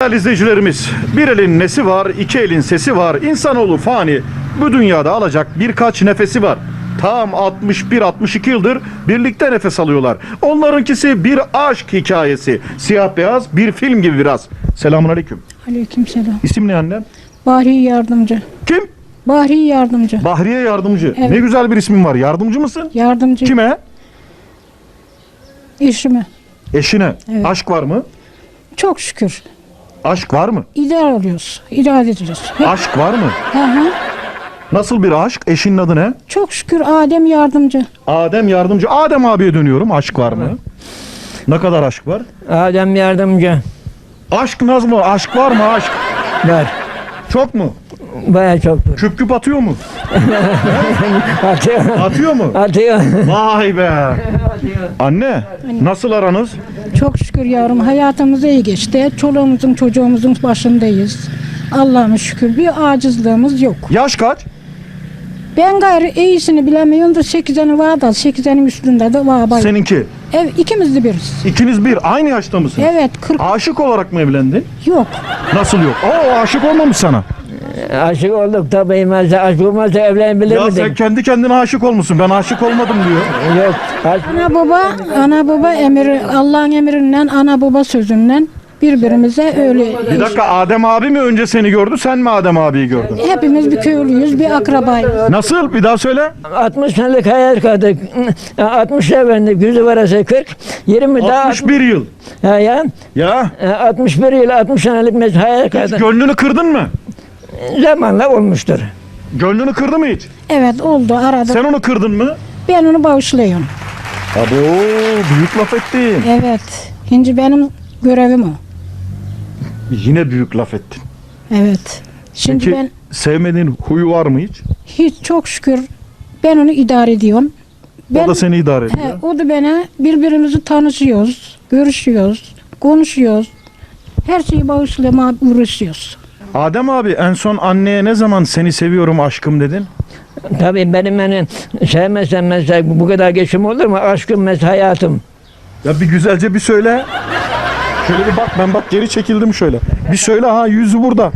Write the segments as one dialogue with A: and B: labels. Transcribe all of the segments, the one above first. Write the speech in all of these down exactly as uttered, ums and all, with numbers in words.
A: Değerli izleyicilerimiz, bir elin nesi var, iki elin sesi var. İnsanoğlu fani, bu dünyada alacak birkaç nefesi var. Tam altmış bir altmış iki yıldır birlikte nefes alıyorlar. Onlarınkisi bir aşk hikayesi. Siyah beyaz bir film gibi biraz. Selamun aleyküm.
B: Aleykümselam.
A: İsim ne annem?
B: Bahri Yardımcı.
A: Kim?
B: Bahri Yardımcı.
A: Bahriye Yardımcı.
B: Evet.
A: Ne güzel bir ismin var. Yardımcı mısın?
B: Yardımcı.
A: Kime?
B: Eşime.
A: Eşine.
B: Evet.
A: Aşk var mı?
B: Çok şükür.
A: Aşk var mı?
B: İdare oluyoruz. İdare ediyoruz. Hep-
A: Aşk var mı?
B: Hı hı.
A: Nasıl bir aşk? Eşinin adı ne?
B: Çok şükür Adem Yardımcı.
A: Adem Yardımcı. Adem abiye dönüyorum. Aşk var mı? Ne kadar aşk var?
C: Adem Yardımcı
A: Aşk naz mı? Aşk var mı? Aşk.
C: var.
A: Çok mu?
C: Baya çoktur.
A: Küp küp atıyor mu?
C: Atıyor.
A: Atıyor mu?
C: Atıyor.
A: Vay be. Anne, nasıl aranız?
B: Çok şükür yavrum hayatımız iyi geçti. Çoluğumuzun çocuğumuzun başındayız. Allah'ıma şükür bir acizliğimiz yok.
A: Yaş kaç?
B: Ben gayrı iyisini bilemiyorum da sekizenin var da sekizenin üstünde de var. Bay.
A: Seninki.
B: Ev ikimiz de biriz.
A: İkiniz bir. Aynı yaşta mısınız?
B: Evet kırk
A: Aşık olarak mı evlendin?
B: yok.
A: Nasıl yok? Oo, aşık olmamış sana.
C: Aşık olduk tabii. Mesela aşık olmazsa evlenebilir
A: Ya sen
C: miydik?
A: kendi kendine aşık olmuşsun. Ben aşık olmadım diyor.
C: Yok. Aşk...
B: Ana baba, ana baba emri, Allah'ın emrinden, ana baba sözünden birbirimize öyle.
A: Bir dakika, Adem abi mi önce seni gördü, sen mi Adem abiyi gördün?
B: Hepimiz bir köylüyüz, bir akrabayız.
A: Nasıl? Bir daha söyle.
C: altmış senelik hayal kırdık. altmış evlendik. Yüzü varası kırk. yirmi daha.
A: altmış bir yıl.
C: Ha ya.
A: Ya.
C: altmış bir yıl altmış senelik mes hayal
A: Hiç
C: kırdık.
A: gönlünü kırdın mı?
C: Zamanla olmuştur.
A: Gönlünü kırdı mı hiç?
B: Evet oldu arada.
A: Sen onu kırdın mı?
B: Ben onu bağışlıyorum.
A: Abo, büyük laf ettin.
B: Evet. Şimdi benim görevim o.
A: Yine büyük laf ettin.
B: Evet. Şimdi
A: Peki
B: ben
A: sevmediğin huyu var mı hiç?
B: hiç çok şükür ben onu idare ediyorum. Ben,
A: O da seni idare ediyor.
B: he, o da bana birbirimizi tanışıyoruz, görüşüyoruz, konuşuyoruz. Her şeyi bağışlamaya uğraşıyoruz.
A: Adem abi, en son anneye ne zaman seni seviyorum aşkım dedin?
C: Tabii benim hani sevmezsem mesela bu kadar geçim olur mu? Aşkım mesela hayatım.
A: Ya bir güzelce bir söyle. Şöyle bir bak, ben bak geri çekildim şöyle. Bir söyle, ha yüzü burada.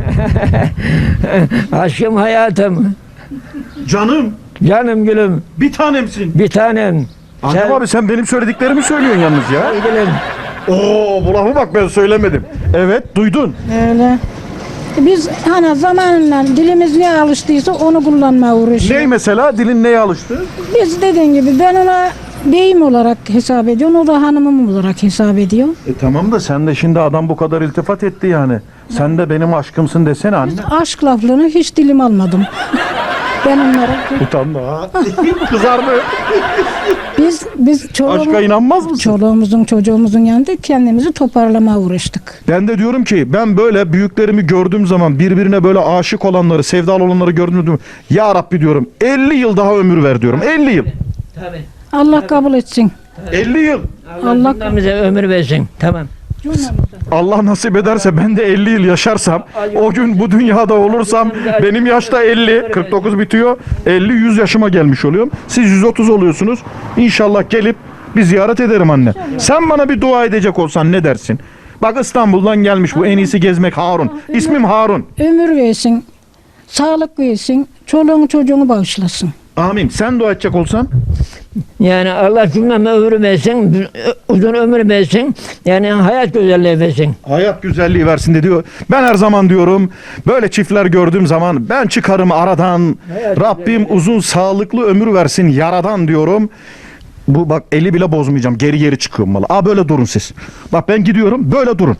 C: Aşkım hayatım.
A: Canım,
C: Canım gülüm.
A: bir tanemsin.
C: Bir tanem.
A: Adem
C: Sen-
A: abi, sen benim söylediklerimi söylüyorsun yalnız ya.
C: Gülüm.
A: Oo, bu lafı bak ben söylemedim. Evet, duydun.
B: Öyle. Biz hani zamanla dilimiz ne alıştıysa onu kullanmaya uğraşıyoruz.
A: Ney mesela? Dilin neye alıştı?
B: Biz dediğin gibi ben ona beyim olarak hesap ediyorum, o da hanımım olarak hesap ediyor.
A: E tamam da sen de şimdi adam bu kadar iltifat etti yani. Sen de benim aşkımsın desene anne.
B: Aşk laflarını hiç dilim almadım. Ben onlara,
A: Utanma ha. Kızardı.
B: biz biz
A: Aşka
B: çoluğumuz,
A: inanmaz mısın?
B: çoluğumuzun çocuğumuzun yanında kendimizi toparlamaya uğraştık.
A: Ben de diyorum ki ben böyle büyüklerimi gördüğüm zaman birbirine böyle aşık olanları, sevdalı olanları gördüğüm zaman ya Rabbi diyorum elli yıl daha ömür ver diyorum. elli yıl.
C: Tabii.
B: Allah kabul etsin.
A: elli yıl.
C: Allah,
B: Allah-
C: Allah bize ömür versin. Tamam.
A: Allah nasip ederse ben de elli yıl yaşarsam, o gün bu dünyada olursam benim yaşta elli, kırk dokuz bitiyor. elli yüz yaşıma gelmiş oluyorum. Siz yüz otuz oluyorsunuz. İnşallah gelip bir ziyaret ederim anne. Sen bana bir dua edecek olsan ne dersin? Bak İstanbul'dan gelmiş bu, en iyisi gezmek Harun. İsmim Harun.
B: Ömür versin, sağlık versin, çoluğunu çocuğunu bağışlasın.
A: Amin. Sen dua edecek olsan?
C: Yani Allah cümleme ömür versin, uzun ömür versin, yani hayat güzelliği versin.
A: Hayat güzelliği versin de diyor. Ben her zaman diyorum böyle çiftler gördüğüm zaman ben çıkarım aradan.
C: Hayat
A: Rabbim uzun sağlıklı ömür versin yaradan diyorum. Bu bak eli bile bozmayacağım. Geri geri çıkıyorum valla. Aa böyle durun siz. Bak ben gidiyorum, böyle durun.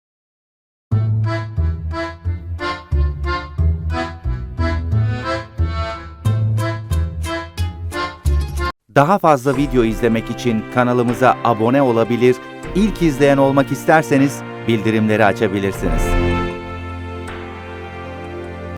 D: Daha fazla video izlemek için kanalımıza abone olabilir, ilk izleyen olmak isterseniz bildirimleri açabilirsiniz.